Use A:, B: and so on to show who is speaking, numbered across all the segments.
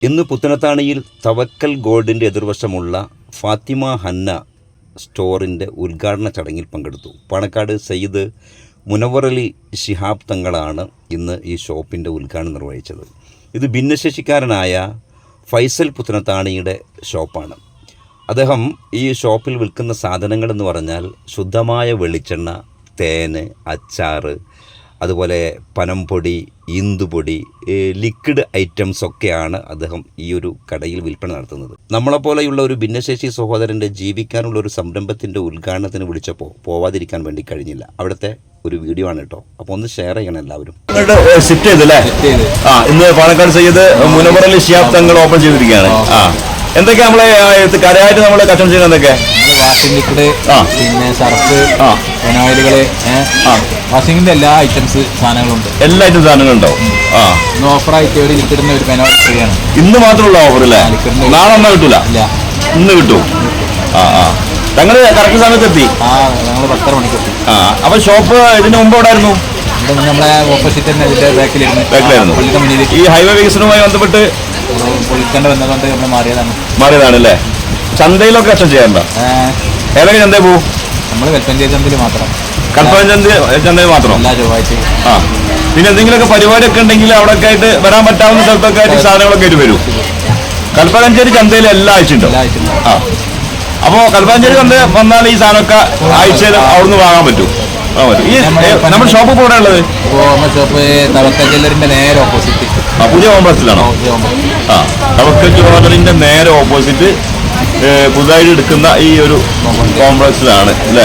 A: ഇന്ന് പുത്തനത്താണിയിൽ തവക്കൽ ഗോൾഡിൻ്റെ എതിർവശമുള്ള ഫാത്തിമ ഹന്ന സ്റ്റോറിൻ്റെ ഉദ്ഘാടന ചടങ്ങിൽ പങ്കെടുത്തു. പാണക്കാട് സയ്യിദ് മുനവ്വറലി ശിഹാബ് തങ്ങളാണ് ഇന്ന് ഈ ഷോപ്പിൻ്റെ ഉദ്ഘാടനം നിർവഹിച്ചത്. ഇത് ഭിന്നശേഷിക്കാരനായ ഫൈസൽ പുത്തനത്താണിയുടെ ഷോപ്പാണ്. അദ്ദേഹം ഈ ഷോപ്പിൽ വിൽക്കുന്ന സാധനങ്ങളെന്ന് പറഞ്ഞാൽ ശുദ്ധമായ വെളിച്ചെണ്ണ, തേന്, അച്ചാറ്, അതുപോലെ പനംപൊടി, ഈന്തുപൊടി, ലിക്വിഡ് ഐറ്റംസ് ഒക്കെയാണ് അദ്ദേഹം ഈ ഒരു കടയിൽ വിൽപ്പന നടത്തുന്നത്. നമ്മളെപ്പോലെയുള്ള ഒരു ഭിന്നശേഷി സഹോദരൻ്റെ ജീവിക്കാനുള്ള ഒരു സംരംഭത്തിൻ്റെ ഉദ്ഘാടനത്തിന് വിളിച്ചപ്പോൾ പോവാതിരിക്കാൻ വേണ്ടി കഴിഞ്ഞില്ല. അവിടുത്തെ ഒരു വീഡിയോ ആണ് കേട്ടോ. അപ്പോൾ ഒന്ന് ഷെയർ ചെയ്യണം എല്ലാവരും.
B: ഷിഫ്റ്റ് ചെയ്തല്ലേ? ഇന്ന് പാണക്കാട് സയ്യിദ് മുനവ്വറലി ശിഹാബ് തങ്ങൾ ഓപ്പൺ ചെയ്തിരിക്കുകയാണ്. എന്തൊക്കെയാ നമ്മളെ കരയായിട്ട് നമ്മള് കച്ചവടം ചെയ്യുന്നത്? എന്തൊക്കെ?
C: വാഷിംഗ് ലിക്വിഡ്, പിന്നെ സർഫ്, ഫെനോയിലുകള്, വാഷിംഗിന്റെ എല്ലാ ഐറ്റംസ് സാധനങ്ങളുണ്ട്.
B: എല്ലാ ഐറ്റം സാധനങ്ങളുണ്ടോ?
C: ഇന്ന് ഓഫറായിട്ട് ഒരു ലിക്വിഡിന് ഒരു ഫെനോയിൽ ഫ്രീ ആണ്.
B: ഇന്ന് മാത്രമുള്ള ഓഫർ അല്ലേ? നാളെ ഒന്നും കിട്ടൂല? ഇന്ന് കിട്ടും. ഞങ്ങള് കറക്റ്റ് സമയത്ത് എത്തി.
C: ഞങ്ങള് 10:30 മണിക്ക് എത്തി.
B: അപ്പൊ ഷോപ്പ് ഇതിന് മുമ്പ് എവിടെയായിരുന്നു?
C: നമ്മളെ ഓപ്പോസിറ്റ് തന്നെ ഇതിന്റെ ബാക്കിലായിരുന്നു.
B: ഈ ഹൈവേ വികസനവുമായി ബന്ധപ്പെട്ട്
C: പൊളിക്കേണ്ട വന്നതുകൊണ്ട് നമ്മൾ
B: മാറിയതാണല്ലേ? ചന്തയിലൊക്കെ കച്ചവടം ചെയ്യാറുണ്ടോ? ഏതൊക്കെ ചന്തയിൽ പോവും?
C: നമ്മൾ കൽപ്പഞ്ചേരി ചന്തയിൽ മാത്രം.
B: ചന്തയിൽ മാത്രം?
C: എല്ലാ ചൊവ്വാഴ്ചയും.
B: പിന്നെ എന്തെങ്കിലുമൊക്കെ പരിപാടിയൊക്കെ ഉണ്ടെങ്കിൽ അവിടെ ഒക്കെ ആയിട്ട് വരാൻ പറ്റാവുന്ന സ്ഥലത്തൊക്കെ ആയിട്ട് സാധനങ്ങളൊക്കെ ആയിട്ട് വരും. കൽപ്പകഞ്ചേരി ചന്തയിൽ എല്ലാ ആഴ്ച ഉണ്ടോ? അപ്പോ കൽപ്പകഞ്ചേരി ചന്ത വന്നാൽ ഈ സാധനമൊക്കെ ആഴ്ചയിൽ അവിടുന്ന് വാങ്ങാൻ പറ്റും. ഈ നമ്മുടെ ഷോപ്പ് ഇപ്പോൾ ഉള്ളത്
C: ഷോപ്പ് തവക്കൽ ജ്വല്ലറിന്റെ നേരെ ഓപ്പോസിറ്റ്
B: പുതിയ കോംപ്ലക്സിലാണോ? തവക്കൽ ജ്വല്ലറിന്റെ നേരെ ഓപ്പോസിറ്റ് പുതുതായിട്ട് എടുക്കുന്ന ഈ ഒരു കോംപ്ലക്സിലാണ് അല്ലേ?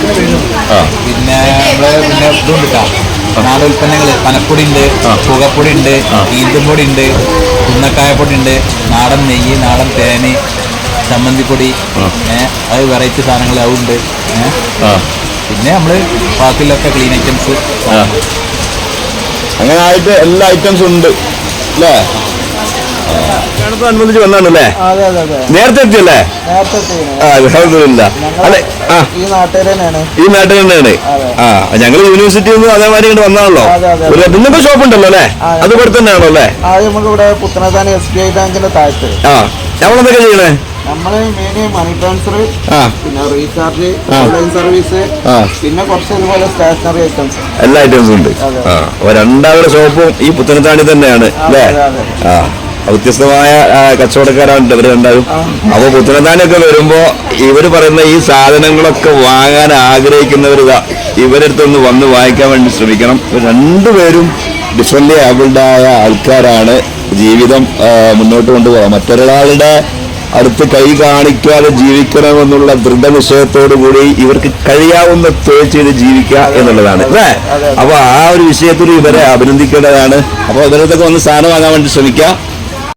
C: പിന്നെ ഇതുണ്ട് നാടൻ ഉൽപ്പന്നങ്ങൾ. പനപ്പൊടി ഉണ്ട്, പുകപ്പൊടി ഉണ്ട്, ഈന്തുംപൊടി ഉണ്ട്, കുന്നക്കായപ്പൊടി ഉണ്ട്, നാടൻ നെയ്യ്, നാടൻ തേന്, ചമ്മന്തിപ്പൊടി, അത് വെറൈറ്റി സാധനങ്ങൾ അതുണ്ട്. പിന്നെ നമ്മള് ബാക്കിയുള്ളൊക്കെ ക്ലീൻ ഐറ്റംസ്
B: അങ്ങനെ ആയിട്ട് എല്ലാ ഐറ്റംസും ഉണ്ട് അല്ലേ? അനുബന്ധിച്ച് വന്നാണല്ലേ? നേരത്തെ എത്തിയല്ലേ? അല്ലെ? ഈ നാട്ടിൽ തന്നെയാണ്. ഞങ്ങൾ യൂണിവേഴ്സിറ്റിയിൽ നിന്ന് അതേമാതിരി ഇങ്ങോട്ട് വന്നാണല്ലോ. ഇന്നിപ്പോ ഷോപ്പ് ഉണ്ടല്ലോ അല്ലേ? അത് ഇവിടെ തന്നെയാണോ അല്ലേ?
D: നമുക്കിവിടെ പുത്തനത്താണി SBI ബാങ്കിന്റെ താഴത്ത്.
B: നമ്മളെന്തൊക്കെ ചെയ്യണേ?
D: നമ്മള് മെയിൻ മണി ട്രാൻസ്ഫർ, പിന്നെ റീചാർജ്, ഓൺലൈൻ സർവീസ്, പിന്നെ കുറച്ച് ഇതുപോലെ സ്റ്റേഷനറി ഐറ്റംസ്,
B: എല്ലാ ഐറ്റംസും ഉണ്ട്. രണ്ടാമത്തെ ഷോപ്പും ഈ പുത്തനത്താണി തന്നെയാണ് അല്ലേ? വ്യത്യസ്തമായ കച്ചവടക്കാരാണ് ഇവർ രണ്ടാളും. അപ്പൊ പുത്തനത്താണിയൊക്കെ വരുമ്പോ ഇവര് പറയുന്ന ഈ സാധനങ്ങളൊക്കെ വാങ്ങാൻ ആഗ്രഹിക്കുന്നവരിതാ ഇവരുടെ അടുത്തൊന്ന് വന്ന് വാങ്ങിക്കാൻ വേണ്ടി ശ്രമിക്കണം. രണ്ടുപേരും ഡിഫറൻ്റ്ലി ഏബിൾഡ് ആയ ആൾക്കാരാണ്. ജീവിതം മുന്നോട്ട് കൊണ്ടുപോകാം. മറ്റൊരാളുടെ അടുത്ത് കൈ കാണിക്കാതെ ജീവിക്കണമെന്നുള്ള ദൃഢനിശ്ചയത്തോടു കൂടി ഇവർക്ക് കഴിയാവുന്ന തൊഴിൽ ചെയ്ത് ജീവിക്കുക എന്നുള്ളതാണ് അല്ലേ? അപ്പൊ ആ ഒരു വിഷയത്തിൽ ഇവരെ അഭിനന്ദിക്കേണ്ടതാണ്. അപ്പൊ ഇവരത്തൊക്കെ ഒന്ന് സാധനം വാങ്ങാൻ വേണ്ടി ശ്രമിക്കുക.